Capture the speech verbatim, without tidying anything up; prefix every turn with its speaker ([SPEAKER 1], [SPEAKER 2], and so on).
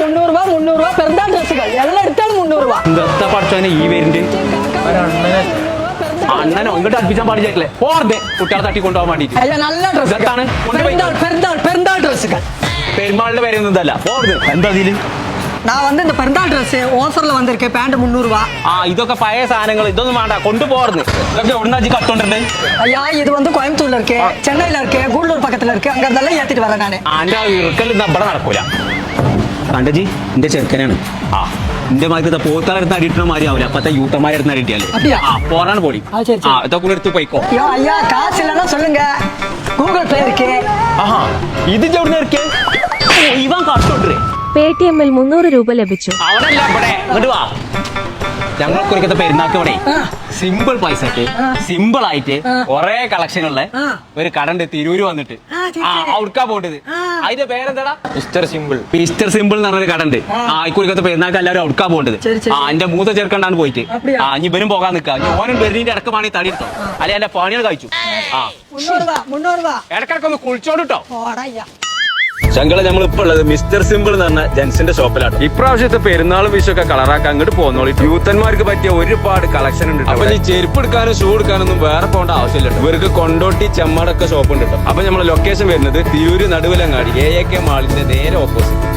[SPEAKER 1] മുന്നൂറ് രൂപ മുന്നൂറ് രൂപ പെരുന്നാൾ ഡ്രസ്സുകൾ എല്ലാം എടുത്താണ് മുന്നൂറ് രൂപ.
[SPEAKER 2] എന്താ പഠിച്ചോനെ ഈ പേരിന്റെ അണ്ണനോ ഇങ്ങോട്ട് അടുപ്പിച്ചാൻ പാടില്ലേ പോർതെ കുട്ടികളെ തട്ടി കൊണ്ടുപോകാൻ വേണ്ടിട്ട്.
[SPEAKER 1] അല്ല നല്ല ഡ്രസ്സാണ് പെരുന്നാൾ പെരുന്നാൾ ഡ്രസ്സുകൾ.
[SPEAKER 2] പെരുമാളിന്റെ പേരൊന്നുമല്ല പോർത്. എന്താ ഇതില്
[SPEAKER 1] நான் வந்து இந்த பெருந்தாள் ட்ரெஸ் ஓஃபர்ல வந்திருக்கேன் பேண்ட் முந்நூறு ரூபா.
[SPEAKER 2] ആ ഇതൊക്കെ പഴയ സാധനങ്ങൾ ഇതൊന്നും വേണ്ട കൊണ്ടുപോർന്ന്. ഇതൊക്കെ എവിടുന്നാ ജി കട്ടോണ്ടിട്ടുണ്ട്?
[SPEAKER 1] ஐயா இது வந்து கோயம்புத்தூர்ல இருக்கு, சென்னையில இருக்கு, கூடலூர் பக்கத்துல இருக்கு. அங்க இருந்தெல்லாம் ஏத்திட்டு வரேன் நானு.
[SPEAKER 2] ആന്റെ ഇറുക്കൽ ഇന്ന് ഇവിടെ നടക്കൂല. കണ്ടജി എന്റെ ചെറുക്കനാണ്. ആ എന്റെ മാതിരി പോത്താലെടുത്ത് അടിയിട്ടുന്ന മാതിരി ആവില്ല. അപ്പത്തെ യൂട്ടന്മാരെ എടുത്ത് അടിയിട്ടാല് ആ പോറാണ് പൊടി. ആ ഇതൊക്കെ എടുത്ത് പോയിക്കോ.
[SPEAKER 1] ஐயா ஐயா காசு இல்லைன்னா சொல்லுங்க, கூகுள் பே இருக்கு.
[SPEAKER 2] ആഹാ ഇത് എവിടുന്ന് ഇറക്കിയ ഇവൻ കട്ടോണ്ടേ.
[SPEAKER 3] പേടിഎമ്മിൽ മുന്നൂറ് രൂപ ലഭിച്ചു.
[SPEAKER 2] അവിടെല്ല ഇവിടെ ഇങ്ങോട്ട് വാ. ഞങ്ങൾക്ക് ഒരിക്കത്തെ പെരുന്നാൾക്ക് ഇവിടെ സിമ്പിൾ പൈസക്ക് സിമ്പിൾ ആയിട്ട് കൊറേ കളക്ഷനുള്ള ഒരു കടണ്ട് തിരൂര് വന്നിട്ട് ആ ഔട്ക്കാ പോണ്ടത്. അതിന്റെ പേരെന്താടാ? Mister simple. മിസ്റ്റർ സിമ്പിൾ എന്ന് പറഞ്ഞൊരു കടണ്ട്. ആ ഇക്കുറിക്കത്തെ പെരുന്നാൾക്ക് എല്ലാവരും ഔട്ക്കാ പോണ്ടത്. ആ എന്റെ മൂത്ത ചെറുക്കണ്ടാണ് പോയിട്ട് ആ ഇനി ഇവരും പോകാൻ നിൽക്കാ. ഓനും ബെർലിന്റെ ഇടക്കമാണെങ്കിൽ തടി എടുത്തോ അല്ലെ എന്റെ പണികൾ കഴിച്ചു. ആ ഇടക്കിടക്ക് ഒന്ന് കുളിച്ചോണ്ടിട്ടോ. ചങ്കള നമ്മളിപ്പോ ഉള്ളത് മിസ്റ്റർ സിമ്പിൾ എന്ന് പറഞ്ഞ ജെൻസിന്റെ ഷോപ്പിലാണ്. ഇപ്രാവശ്യത്തെ പെരുന്നാളും വിഷൊക്കെ കളറാക്കാൻ അങ്ങോട്ട് പോന്നോളി. യൂത്തന്മാർക്ക് പറ്റിയ ഒരുപാട് കളക്ഷൻ ഉണ്ട്. അപ്പൊ ഈ ചെരുപ്പ് എടുക്കാനും ഷൂ എടുക്കാനൊന്നും വേറെ പോകേണ്ട ആവശ്യമില്ല. ഇവർക്ക് കൊണ്ടോട്ടി ചെമ്മാടൊക്കെ ഷോപ്പ് ഉണ്ട്. അപ്പൊ നമ്മളെ ലൊക്കേഷൻ വരുന്നത് Tirur Naduvilangadi A A K മാളിന്റെ നേരെ ഓപ്പോസിറ്റ്.